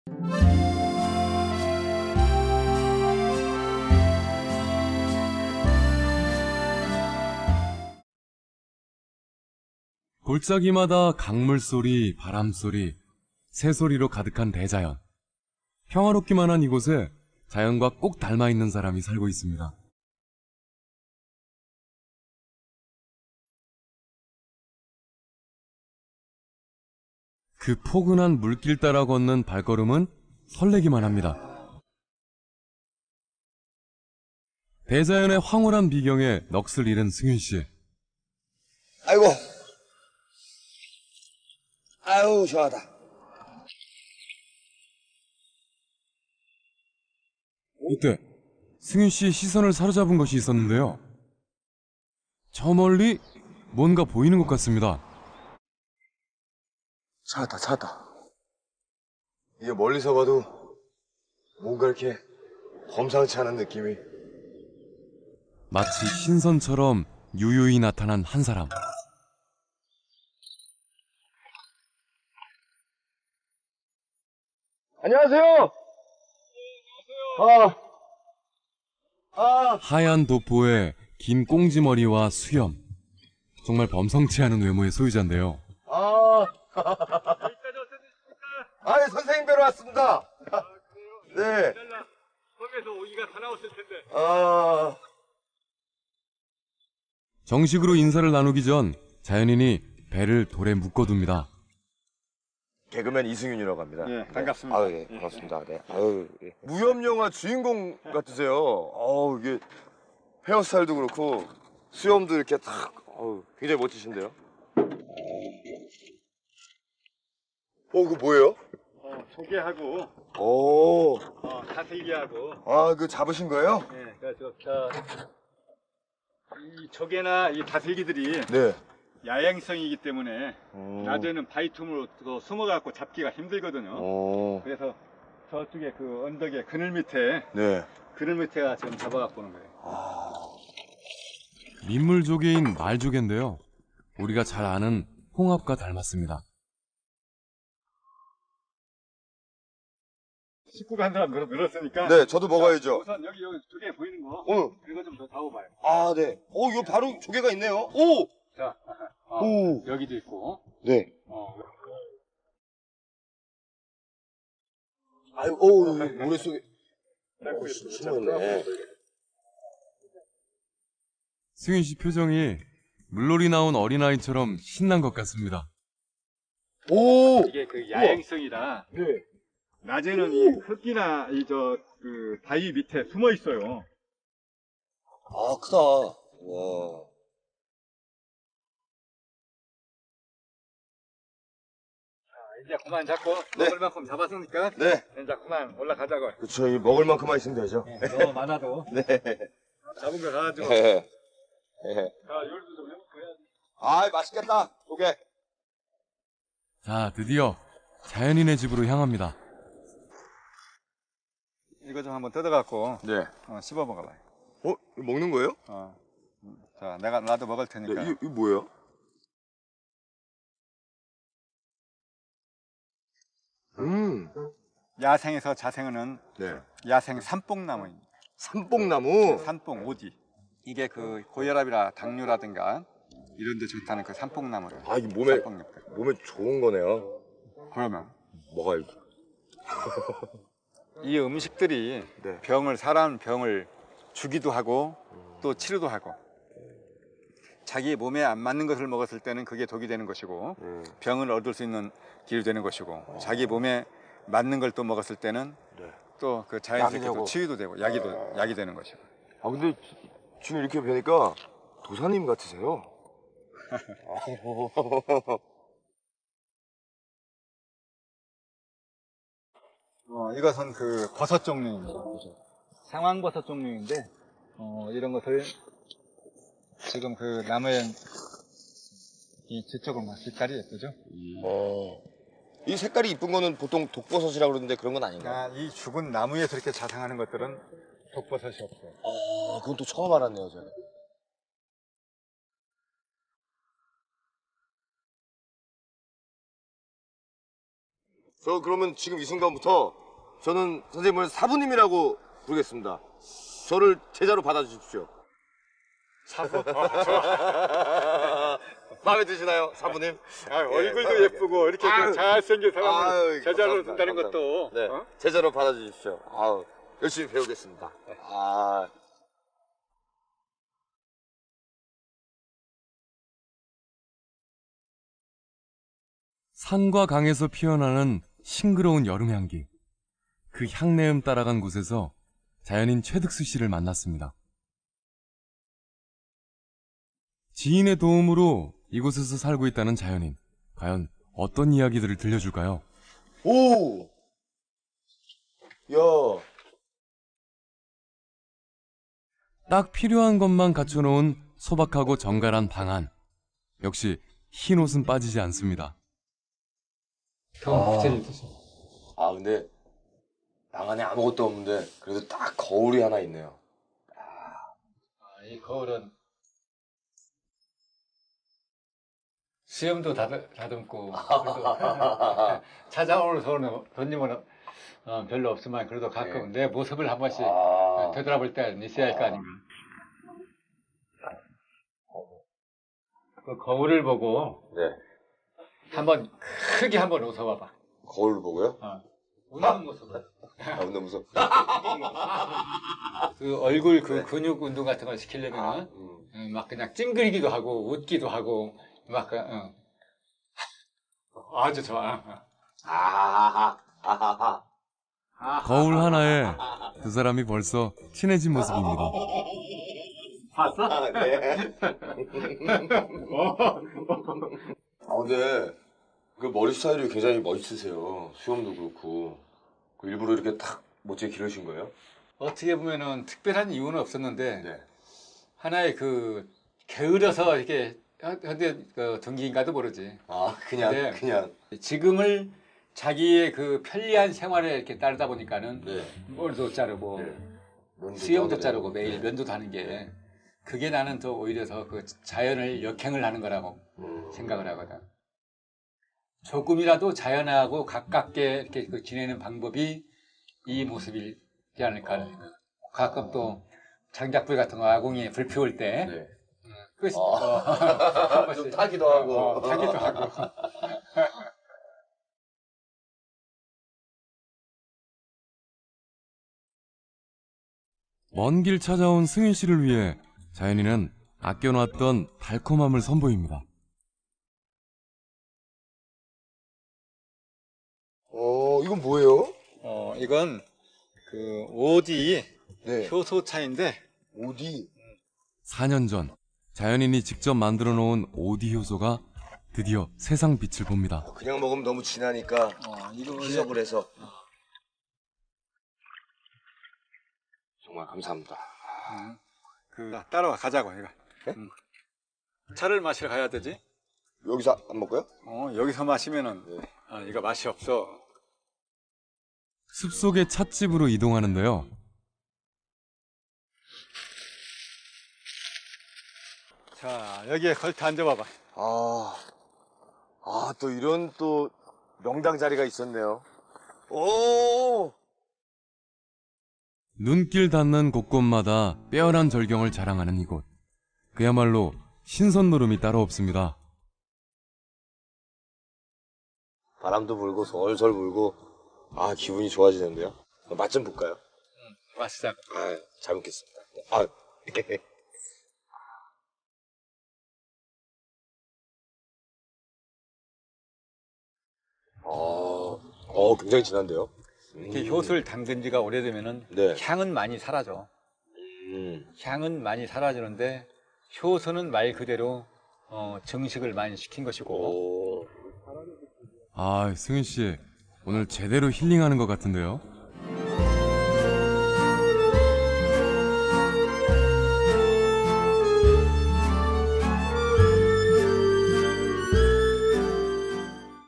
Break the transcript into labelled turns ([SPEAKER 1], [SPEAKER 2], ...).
[SPEAKER 1] 골짜기마다 강물 소리, 바람 소리, 새소리로 가득한 대자연. 평화롭기만 한 이곳에 자연과 꼭 닮아 있는 사람이 살고 있습니다. 그 포근한 물길 따라 걷는 발걸음은 설레기만 합니다. 대자연의 황홀한 비경에 넋을 잃은 승윤 씨.
[SPEAKER 2] 아이고. 아유, 시원하다.
[SPEAKER 1] 이때 승윤 씨의 시선을 사로잡은 것이 있었는데요. 저 멀리 뭔가 보이는 것 같습니다.
[SPEAKER 2] 찾았다. 이게 멀리서 봐도 뭔가 이렇게 범상치 않은 느낌이.
[SPEAKER 1] 마치 신선처럼 유유히 나타난 한 사람.
[SPEAKER 2] 안녕하세요.
[SPEAKER 1] 하얀 도포에 긴 꽁지머리와 수염. 정말 범상치 않은 외모의 소유자인데요.
[SPEAKER 2] 아니, 선생님 뵈러 왔습니다. 네.
[SPEAKER 3] 섬에서 오기가 다 나왔을 텐데.
[SPEAKER 1] 정식으로 인사를 나누기 전 자연인이 배를 돌에 묶어둡니다.
[SPEAKER 2] 개그맨 이승윤이라고 합니다.
[SPEAKER 3] 예, 반갑습니다.
[SPEAKER 2] 아유, 예, 반갑습니다. 네. 아유, 예. 무협영화 주인공 같으세요. 어우, 이게 헤어스타일도 그렇고 수염도 이렇게 탁, 어우, 굉장히 멋지신데요. 그거 뭐예요?
[SPEAKER 3] 조개하고,
[SPEAKER 2] 오,
[SPEAKER 3] 다슬기하고.
[SPEAKER 2] 그 잡으신 거예요?
[SPEAKER 3] 예, 그래서 이 조개나 이 다슬기들이
[SPEAKER 2] 네.
[SPEAKER 3] 야행성이기 때문에 낮에는 바위틈으로 숨어갖고 잡기가 힘들거든요. 그래서 저쪽에 그 언덕에 그늘 밑에
[SPEAKER 2] 네.
[SPEAKER 3] 그늘 밑에가 지금 잡아갖고 오는 거예요.
[SPEAKER 1] 민물조개인 말조개인데요. 우리가 잘 아는 홍합과 닮았습니다.
[SPEAKER 3] 식구가 한 사람 늘었으니까.
[SPEAKER 2] 네, 저도 먹어야죠.
[SPEAKER 3] 우선 여기 조개 보이는 거. 이거 좀 더 잡아봐요.
[SPEAKER 2] 아, 네. 이거 바로 조개가 있네요. 오!
[SPEAKER 3] 자,
[SPEAKER 2] 오!
[SPEAKER 3] 여기도 있고.
[SPEAKER 2] 네. 아유, 모래 속에. 숨어있네.
[SPEAKER 1] 승윤 씨 표정이 물놀이 나온 어린아이처럼 신난 것 같습니다.
[SPEAKER 2] 오!
[SPEAKER 3] 이게 그 야행성이라.
[SPEAKER 2] 네.
[SPEAKER 3] 낮에는 이 흙이나 그 바위 밑에 숨어 있어요.
[SPEAKER 2] 크다. 와.
[SPEAKER 3] 이제 그만 잡고
[SPEAKER 2] 네.
[SPEAKER 3] 먹을 만큼 잡았으니까
[SPEAKER 2] 네.
[SPEAKER 3] 이제 그만 올라가자고.
[SPEAKER 2] 그쵸, 이 먹을 만큼만 있으면 되죠.
[SPEAKER 3] 너무 많아도
[SPEAKER 2] 네.
[SPEAKER 3] 잡은 거 가지고.
[SPEAKER 2] 네.
[SPEAKER 3] 자, 열도 좀 해볼까 해야지.
[SPEAKER 2] 맛있겠다. 조개.
[SPEAKER 1] 자, 드디어 자연인의 집으로 향합니다.
[SPEAKER 3] 이거 좀 한번 뜯어갖고
[SPEAKER 2] 네.
[SPEAKER 3] 씹어 먹어봐요.
[SPEAKER 2] 이거 먹는 거예요?
[SPEAKER 3] 자, 나도 먹을 테니까.
[SPEAKER 2] 네, 이거 뭐예요?
[SPEAKER 3] 야생에서 자생하는
[SPEAKER 2] 네.
[SPEAKER 3] 야생 산뽕나무입니다.
[SPEAKER 2] 삼뽕나무.
[SPEAKER 3] 산뽕 오디. 이게 그 고혈압이라 당뇨라든가 이런 데 좋다는 그 산뽕나무를.
[SPEAKER 2] 이게 몸에
[SPEAKER 3] 산뽕잎들.
[SPEAKER 2] 좋은 거네요.
[SPEAKER 3] 그러면
[SPEAKER 2] 먹어야지.
[SPEAKER 3] 이 음식들이
[SPEAKER 2] 네.
[SPEAKER 3] 사람 병을 주기도 하고 또 치료도 하고, 자기 몸에 안 맞는 것을 먹었을 때는 그게 독이 되는 것이고 병을 얻을 수 있는 길이 되는 것이고, 자기 몸에 맞는 걸 또 먹었을 때는 또 그 자연스럽게 또 치유도 되고 약이 되는 것이고.
[SPEAKER 2] 근데 지금 이렇게 뵈니까 도사님 같으세요.
[SPEAKER 3] 이것은 그 버섯 종류입니다. 상황버섯 종류인데 이런 것을 지금 그 나무에 이 뒤쪽을 막 색깔이 예쁘죠?
[SPEAKER 2] 이 색깔이 이쁜 거는 보통 독버섯이라고 그러는데 그런 건 아닌가요?
[SPEAKER 3] 이 죽은 나무에 저렇게 자생하는 것들은 독버섯이 없어요.
[SPEAKER 2] 그건 또 처음 알았네요, 제가. 저 그러면 지금 이 순간부터 저는 선생님을 사부님이라고 부르겠습니다. 저를 제자로 받아주십시오.
[SPEAKER 3] 사부?
[SPEAKER 2] 마음에 드시나요, 사부님?
[SPEAKER 3] 얼굴도 예쁘고 이렇게
[SPEAKER 2] 아유.
[SPEAKER 3] 잘생긴 사람을
[SPEAKER 2] 아유,
[SPEAKER 3] 제자로
[SPEAKER 2] 감사합니다.
[SPEAKER 3] 둔다는
[SPEAKER 2] 감사합니다.
[SPEAKER 3] 것도
[SPEAKER 2] 네,
[SPEAKER 3] 어?
[SPEAKER 2] 제자로 받아주십시오. 아우, 열심히 배우겠습니다. 아.
[SPEAKER 1] 산과 강에서 피어나는 싱그러운 여름 향기. 그 향내음 따라간 곳에서 자연인 최득수 씨를 만났습니다. 지인의 도움으로 이곳에서 살고 있다는 자연인. 과연 어떤 이야기들을 들려줄까요?
[SPEAKER 2] 오! 야,
[SPEAKER 1] 딱 필요한 것만 갖춰놓은 소박하고 정갈한 방 안. 역시 흰 옷은 빠지지 않습니다.
[SPEAKER 2] 아, 근데 방 안에 아무것도 없는데 그래도 딱 거울이 하나 있네요.
[SPEAKER 4] 이 거울은 수염도 다듬고 그래도 찾아오는 손님은 별로 없지만 그래도 가끔 내 모습을 한 번씩 되돌아볼 때 있어야 할 거 아닌가. 그 거울을 보고
[SPEAKER 2] 네.
[SPEAKER 4] 한번 크게 한번 웃어봐봐.
[SPEAKER 2] 거울을 보고요?
[SPEAKER 4] 웃는 모습을.
[SPEAKER 2] 아, 너무 무서워.
[SPEAKER 4] 그 얼굴 그 근육 운동 같은 걸 시키려면 막 그냥 찡그리기도 하고 웃기도 하고 막 아주 좋아.
[SPEAKER 2] 아하하.
[SPEAKER 1] 거울 하나에 두 사람이 벌써 친해진 모습입니다.
[SPEAKER 2] 아, 네. 아, 근데 그 머리 스타일이 굉장히 멋있으세요. 수염도 그렇고. 그 일부러 이렇게 탁 멋지게 기르신 거예요?
[SPEAKER 4] 어떻게 보면은 특별한 이유는 없었는데
[SPEAKER 2] 네.
[SPEAKER 4] 하나의 그 게으러서 이렇게 현대 동기인가도 모르지.
[SPEAKER 2] 아, 그냥,
[SPEAKER 4] 네.
[SPEAKER 2] 그냥.
[SPEAKER 4] 지금을 자기의 그 편리한 생활에 이렇게 따르다 보니까는
[SPEAKER 2] 네.
[SPEAKER 4] 머리도 자르고
[SPEAKER 2] 면도도
[SPEAKER 4] 수염도
[SPEAKER 2] 하고.
[SPEAKER 4] 자르고 매일 면도도 하는 게 그게 나는 더 오히려 더 그 자연을 역행을 하는 거라고 생각을 하거든. 조금이라도 자연하고 가깝게 이렇게 그 지내는 방법이 이 모습이지 않을까. 가끔 또 장작불 같은 거 아궁이에 불 피울 때
[SPEAKER 2] 네.
[SPEAKER 4] 그것이
[SPEAKER 2] 좀 타기도 하고.
[SPEAKER 4] 타기도 하고.
[SPEAKER 1] 먼 길 찾아온 승윤 씨를 위해 자연이는 아껴놨던 달콤함을 선보입니다.
[SPEAKER 2] 이건 뭐예요?
[SPEAKER 3] 이건 그 오디
[SPEAKER 2] 네.
[SPEAKER 3] 효소차인데
[SPEAKER 2] 어디?
[SPEAKER 1] 4년 전 자연인이 직접 만들어 놓은 오디 효소가 드디어 세상 빛을 봅니다.
[SPEAKER 2] 그냥 먹으면 너무 진하니까
[SPEAKER 3] 이거
[SPEAKER 2] 희석을 해서. 정말 감사합니다.
[SPEAKER 3] 따라와 가자고 이거.
[SPEAKER 2] 네?
[SPEAKER 3] 차를 마시러 가야 되지.
[SPEAKER 2] 여기서 안 먹고요?
[SPEAKER 3] 여기서 마시면은 이거 맛이 없어.
[SPEAKER 1] 숲속의 찻집으로 이동하는데요.
[SPEAKER 3] 자 여기에 걸터 앉아봐봐.
[SPEAKER 2] 또 이런 또 명당 자리가 있었네요. 오!
[SPEAKER 1] 눈길 닿는 곳곳마다 빼어난 절경을 자랑하는 이곳. 그야말로 신선 노름이 따로 없습니다.
[SPEAKER 2] 바람도 불고 솔솔 불고 기분이 좋아지는데요. 맛 좀 볼까요?
[SPEAKER 4] 마시자.
[SPEAKER 2] 잘 먹겠습니다. 굉장히 진한데요?
[SPEAKER 4] 이렇게 효소를 담근 지가 오래되면은
[SPEAKER 2] 네.
[SPEAKER 4] 향은 많이 사라져. 향은 많이 사라지는데 효소는 말 그대로 증식을 많이 시킨 것이고.
[SPEAKER 1] 승윤 씨 오늘 제대로 힐링하는 것 같은데요.